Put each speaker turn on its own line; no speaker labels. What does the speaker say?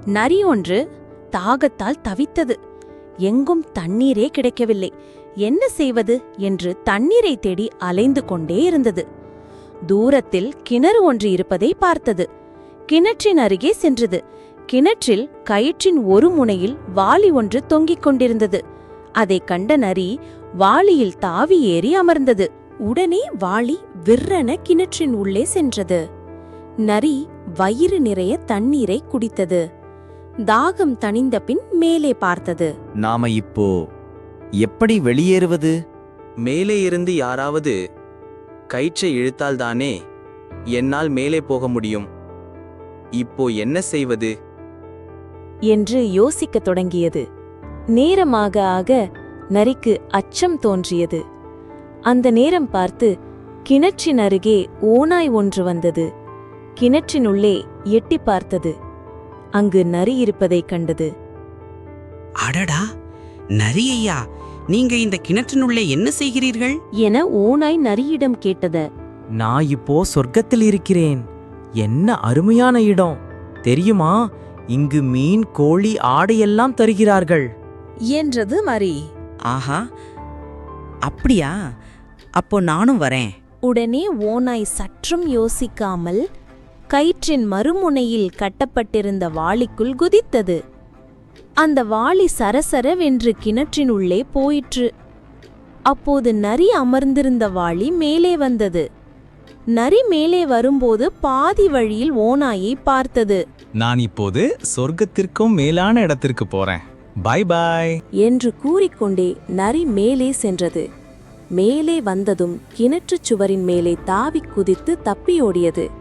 நரி ஒன்று தாகத்தால் தவித்தது. எங்கும் தண்ணீரே கிடைக்கவில்லை. என்ன செய்வது என்று தண்ணீரை தேடி அலைந்து கொண்டே இருந்தது. தூரத்தில் கிணறு ஒன்று இருப்பதை பார்த்தது. கிணற்றின் அருகே சென்றது. கிணற்றில் கயிற்றின் ஒரு முனையில் வாளி ஒன்று தொங்கிக் கொண்டிருந்தது. அதைக் கண்ட நரி வாளியில் தாவி ஏறி அமர்ந்தது. உடனே வாளி விற்றென கிணற்றின் உள்ளே சென்றது. நரி வயிறு நிறைய தண்ணீரை குடித்தது. தாகம் தணிந்த பின் மேலே பார்த்தது.
நாம இப்போ எப்படி வெளியேறுவது?
மேலே இருந்து யாராவது கயிற்றை இழுத்தால்தானே என்னால் மேலே போக முடியும். இப்போ என்ன செய்வது
என்று யோசிக்கத் தொடங்கியது. நேரமாக ஆக நரிக்கு அச்சம் தோன்றியது. அந்த நேரம் பார்த்து கிணற்றின் அருகே ஓநாய் ஒன்று வந்தது. கிணற்றினுள்ளே எட்டி பார்த்தது. அங்கு நரி இருப்பதைக் கண்டது.
அடடா, நரி ஐயா, நீங்க இந்த கிணற்றினுள்ளே என்ன செய்கிறீர்கள்
என ஓநாய் நரியிடம் கேட்டது.
நான் இப்போ சொர்க்கத்தில் இருக்கிறேன். என்ன அருமையான இடம் தெரியுமா? இங்கு மீன், கோழி, ஆடையெல்லாம் தருகிறார்கள்
என்றது மரி.
ஆஹா, அப்படியா? அப்போ நானும் வரேன்.
உடனே ஓநாய் சற்றும் யோசிக்காமல் கயிற்றின் மறுமுனையில் கட்டப்பட்டிருந்த வாளிக்குள் குதித்தது. அந்த வாளி சரசரவென்று கிணற்றின் உள்ளே போயிற்று. அப்போது நரி அமர்ந்திருந்த வாளி மேலே வந்தது. நரி மேலே வரும்போது பாதி வழியில் ஓநாயை பார்த்தது.
நான் இப்போது சொர்க்கத்திற்கும் மேலான இடத்திற்கு போறேன். பை பாய்
என்று கூறிக்கொண்டே நரி மேலே சென்றது. மேலே வந்ததும் கிணற்றுச் சுவரின் மேலே தாவிக் குதித்து தப்பியோடியது.